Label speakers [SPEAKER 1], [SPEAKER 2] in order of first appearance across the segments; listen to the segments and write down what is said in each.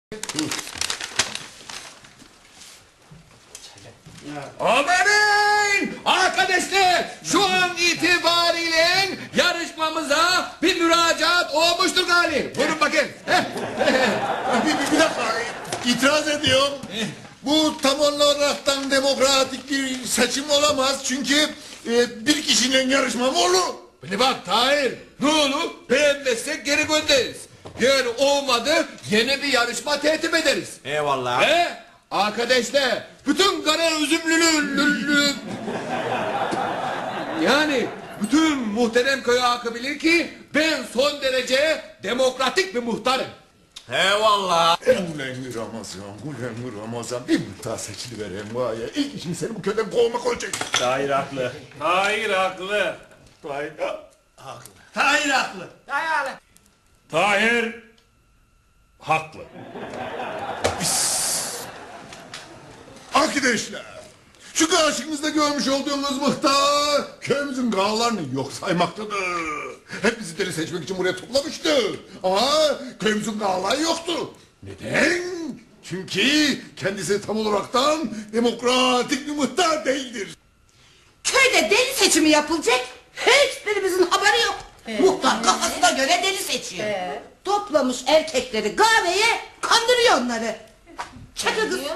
[SPEAKER 1] Aferin! Arkadaşlar şu an itibariyle yarışmamıza bir müracaat olmuştur galiba. Buyurun bakın.
[SPEAKER 2] Bir dakika, itiraz ediyorum. Bu tam olaraktan demokratik bir seçim olamaz. Çünkü bir kişinin yarışma mı olur?
[SPEAKER 1] Beni bak Tahir, ne olur beğenmezsek geri göndeririz. Eğer olmadı yeni bir yarışma tertip ederiz.
[SPEAKER 3] Eyvallah.
[SPEAKER 1] Arkadaşlar bütün kara üzümlülü yani bütün muhterem köy halkı bilir ki ben son derece demokratik bir muhtarım.
[SPEAKER 3] Eyvallah.
[SPEAKER 2] Ulan Ramazan, bir muhtar seçiliverem var ya. İlk işim seni bu köyden kovmak olacak.
[SPEAKER 3] Tahir haklı.
[SPEAKER 4] Tahir haklı.
[SPEAKER 3] Tahir haklı.
[SPEAKER 4] Tahir haklı. Tahir haklı.
[SPEAKER 2] Arkadaşlar, şu karşınızda görmüş olduğunuz muhtar köyümüzün kağalarını yok saymaktadır. Hep bizi deli seçmek için buraya toplamıştı. Ama köyümüzün kağaları yoktu. Neden? Çünkü kendisi tam olaraktan demokratik bir muhtar değildir.
[SPEAKER 5] Köyde deli seçimi yapılacak. Hiçbirimizin haberi yok. Muhtar kafasına göre deli seçiyor. Toplamış erkekleri kahveye, kandırıyor onları. Çakı kız.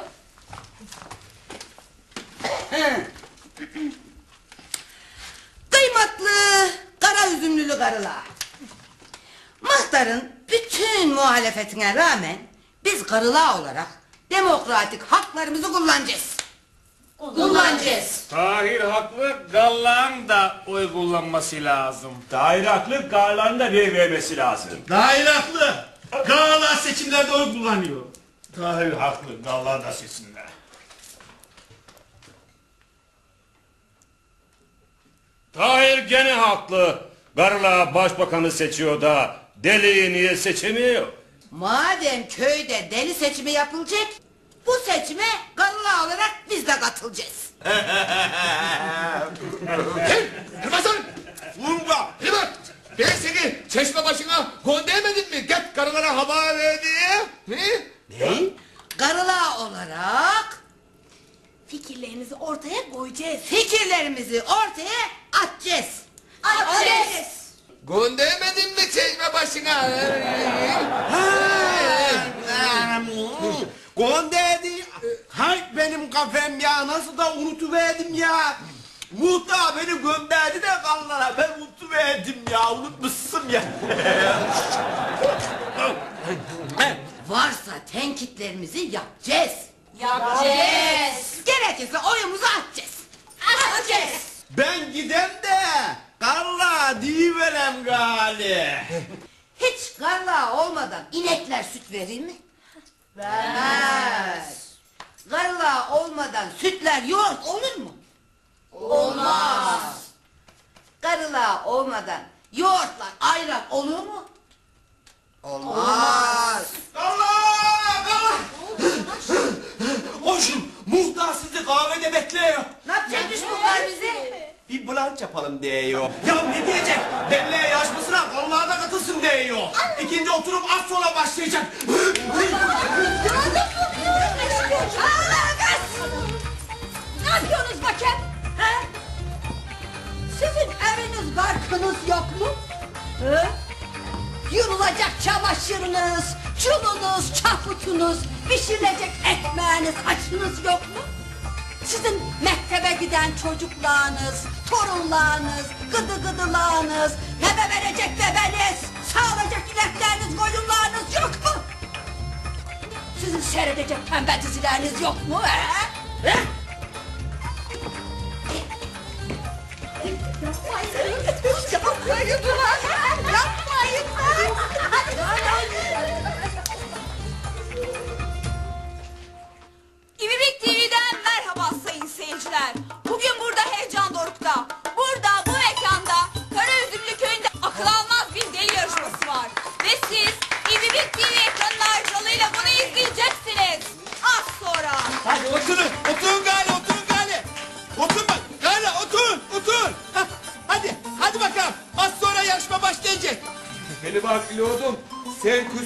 [SPEAKER 5] Kıymetli kara üzümlülü karılar. Muhtarın bütün muhalefetine rağmen biz karılar olarak demokratik haklarımızı kullanacağız. Kullanacağız.
[SPEAKER 4] Tahir haklı. Gallan da oy kullanması lazım.
[SPEAKER 3] Tahir haklı. Karların da vermesi lazım.
[SPEAKER 4] Tahir haklı. Gallan seçimlerde oy kullanıyor. Tahir haklı. Gallan da seçsinler. Tahir gene haklı. Garla başbakanı seçiyor da deliyi niye seçemiyor?
[SPEAKER 5] Madem köyde deli seçimi yapılacak, bu seçime karılar olarak biz de katılacağız.
[SPEAKER 1] Ramazan! Vurma! Hımat! Ben seni çeşme başına göndermedim mi? Git karılara hava ver diye.
[SPEAKER 5] Ne? Karılar olarak
[SPEAKER 6] Fikirlerinizi ortaya koyacağız.
[SPEAKER 5] fikirlerimizi ortaya atacağız. Atacağız.
[SPEAKER 1] Göndermedin mi çeşme başına?
[SPEAKER 3] Gönderdi. Hay benim kafem ya. Nasıl da unutuverdim ya. Muhtar beni gönderdi de kanlara. Ben unutuverdim ya. Unutmuşsun ya.
[SPEAKER 5] Varsa tenkitlerimizi yapacağız.
[SPEAKER 6] Yapacağız.
[SPEAKER 5] Gerekirse oyumuzu atacağız. Atacağız.
[SPEAKER 3] Ben gidem de kanla diyiverem gali.
[SPEAKER 5] Hiç karla olmadan inekler süt verir mi? Vermez. Karla olmadan sütler yoğurt olur mu? Olmaz. Karıla olmadan yoğurtlar ayran olur mu? Olmaz.
[SPEAKER 3] Koşun muhtar sizi kahvede bekliyor.
[SPEAKER 5] Ne yapacakmış bu kar bize?
[SPEAKER 3] Bir blanç yapalım diyor. Ya ne diyecek? Belleğe yarışmasına kanlığa da katılsın diyor. İkinci oturum az sonra başlayacak.
[SPEAKER 6] Ne yapıyorsunuz bakayım?
[SPEAKER 5] He? Sizin eviniz barkınız yok mu? He? Yurulacak çamaşırınız, çulunuz, çaputunuz, pişirilecek ekmeğiniz, açınız yok mu? Sizin mektebe giden çocuklarınız, torunlarınız, gıdı gıdılarınız, bebe verecek bebeniz, sağlayacak inekleriniz, koyunlarınız yok mu? Sizin seyredecek pembe dizileriniz yok mu? He? He? Yapmayın lan! Yapmayın lan!
[SPEAKER 6] İvibik TV'den merhaba sayın seyirciler. Bugün burada heyecan dorukta. Burada bu mekanda Karaüzümlü köyünde akıl almaz bir deli yarışması var. Ve siz İvibik TV ekranı aracılığıyla bunu izleyeceksiniz. Az sonra.
[SPEAKER 3] Hadi oturun, oturun gali, oturun gali. Oturun bak, gali oturun, oturun. Hadi bakalım. Az sonra yarışma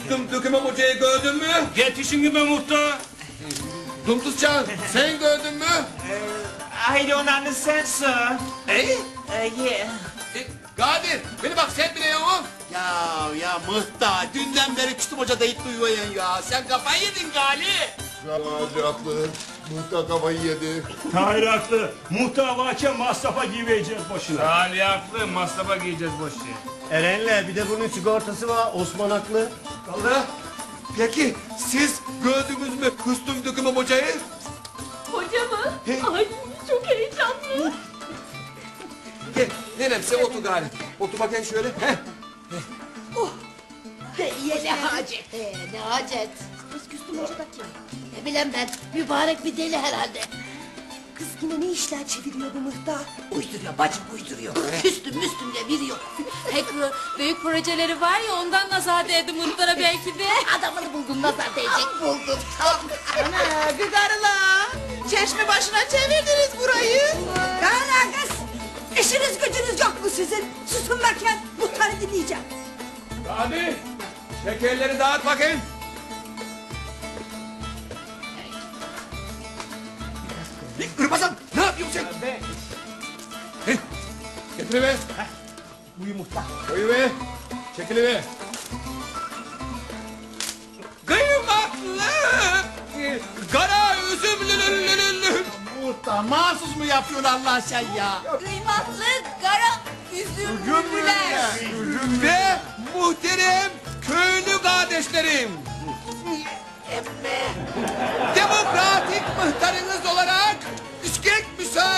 [SPEAKER 1] Kustüm dökümem hocayı gördün mü?
[SPEAKER 4] Yetişin gibi muhtar.
[SPEAKER 1] Dumtuzcan sen gördün mü?
[SPEAKER 3] I don't understand sir. Yeah.
[SPEAKER 1] Kadir beni bak sen bile ya o.
[SPEAKER 3] Ya Mıhtar dünden beri Küstüm Hoca deyip duyuyorsun ya. Sen kafayı yedin Gali.
[SPEAKER 2] Gazi haklı. Muhtar kafayı yedi.
[SPEAKER 7] Tahir haklı. Muhtar varken masrafa girmeyeceğiz boşuna.
[SPEAKER 4] Ali haklı, masrafa giyeceğiz boş şey.
[SPEAKER 3] Eren'le bir de bunun sigortası var. Osman haklı.
[SPEAKER 1] Allah. Peki siz gördünüz mü kustüm dökümem hocayı?
[SPEAKER 6] Hoca mı? Ay çok heyecanlı.
[SPEAKER 1] Gel nenem sen otur gari. Otur bakayım şöyle. Heh.
[SPEAKER 5] Ne hacet.
[SPEAKER 8] Ne hacet? Kız Küstüm Hoca da kim? Ne bileyim ben, mübarek bir deli herhalde.
[SPEAKER 5] Kız yine ne işler çeviriyor bu muhtar? Uyduruyor bacım uyduruyor. Küstüm müstüm de biri yok.
[SPEAKER 6] Pek büyük projeleri var ya ondan nazar değdi muhtara belki de.
[SPEAKER 8] Adamını buldun, nazar değecek.
[SPEAKER 5] Buldum tam.
[SPEAKER 9] Ana gıdarla. Çeşme başına çevirdiniz burayı.
[SPEAKER 5] Kara kız. İşiniz gücünüz yok mu sizin? Susun bakayım. Muhtarı dinleyeceğim.
[SPEAKER 1] Hadi şekerleri dağıt bakayım. Irmazan ne yapıyorsun sen? Heh, getir be.
[SPEAKER 3] Buyur Muhtar.
[SPEAKER 1] Koyu be. Çekili be. Kıymaklı. Kara üzümlü.
[SPEAKER 3] Muhtar mahsus mu yapıyorsun Allah sen ya?
[SPEAKER 6] Kıymatlı kara üzümlüler.
[SPEAKER 1] Ve muhterem köylü kardeşlerim. Demokratik muhtarınız olarak İskek müsaade